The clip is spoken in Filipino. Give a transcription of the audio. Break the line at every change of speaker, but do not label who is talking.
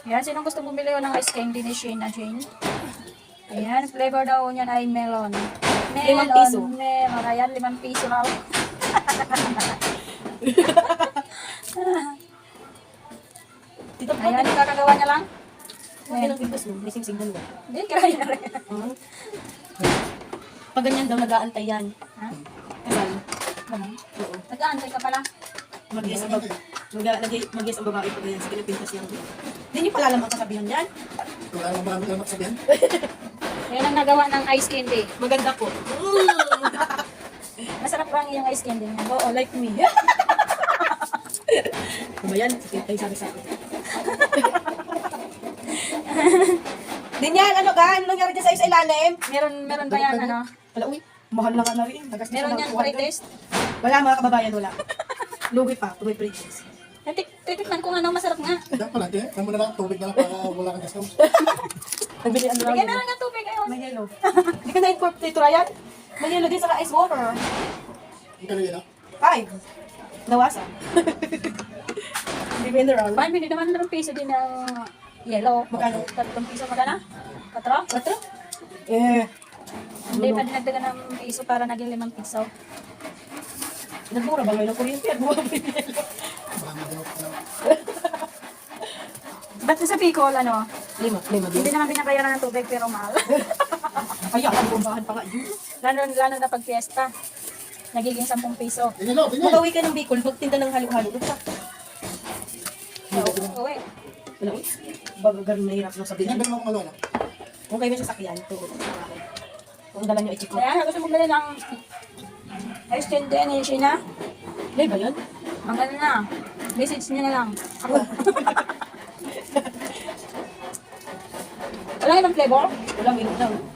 Yan, sinong gusto bumili ng ice candy ni Shane na Jane? Ayan, flavor daw niyan ay melon.
5 piso.
Melon. Ayan, 5 piso raw.
Dito po.
Ayan, kakagawa niya lang.
Okay lang pintos mo. May sing-sing dalawa.
Hindi, kirahin na rin.
Pag ganyan daw, nag-aantay yan.
Ha?
Kasal.
Ganun.
Oo.
Nag-aantay ka pala.
Mag-yes ang babae. Mag-yes ang babae pag ganyan. Sige na pintos yan. Hindi niyo pala alam ang kasabihan yan.
Wala namang marami kang magsabihan.
Ayan ang nagawa ng ice candy.
Maganda po.
Masarap ba ang iyong ice candy niya?
Oo, like me. Ano ba yan? Sige, tayo sabi sa akin. Din yan, ano ka? Ano nangyari dyan sa ilalim?
Meron ba yan, ano?
Wala, uy. Mahal na nga na rin.
Meron yan pre-test?
Wala mga kababayan, wala. Lugi pa, tuwing pre-test.
Titikman ko nga no, masarap nga.
Kaya pala, kaya mo na lang tubig na lang para wala kang discount.
Nagbili ang
Bigyan na lang ng tubig ayun.
May yellow. Hindi ka na-incorporate, Ryan? May yellow din sa ice water.
Ang kanina na.
5. Nawasan. Hindi mineral.
Paano hindi naman ng piso din ng yellow?
Magkano?
3 piso magkano? 4?
Ba't to? Eh.
Hindi pa dinagdagan ng piso para naging 5 piso.
Nagmura ba ngayon ang kuryente? Nagmura ba yung yellow?
Marami din ako.
Ba't sa Bicol, ano?
5 din.
Hindi naman binabayaran ng tubig pero mahal.
Kaya ang bumbahan pa nga yun.
lalo na pag fiesta. Nagiging 10 piso.
Tingnan, tingnan.
Magawi ka ng Bicol, magtinda ng halo-halo. Basta.
Uwi.
Wala, uy. Baga ganun nahirap lang sabihin.
Tingnan mo kung ano.
Kung kayo may sasakyan, tugot. Kung dala nyo i-check ko.
Kaya gusto mo bili ng ice candy ni Sheena?
Hindi ba yun?
Ang ganda na. Message niya na lang. Ako. Wala ibang flavor?
Walang minute lang.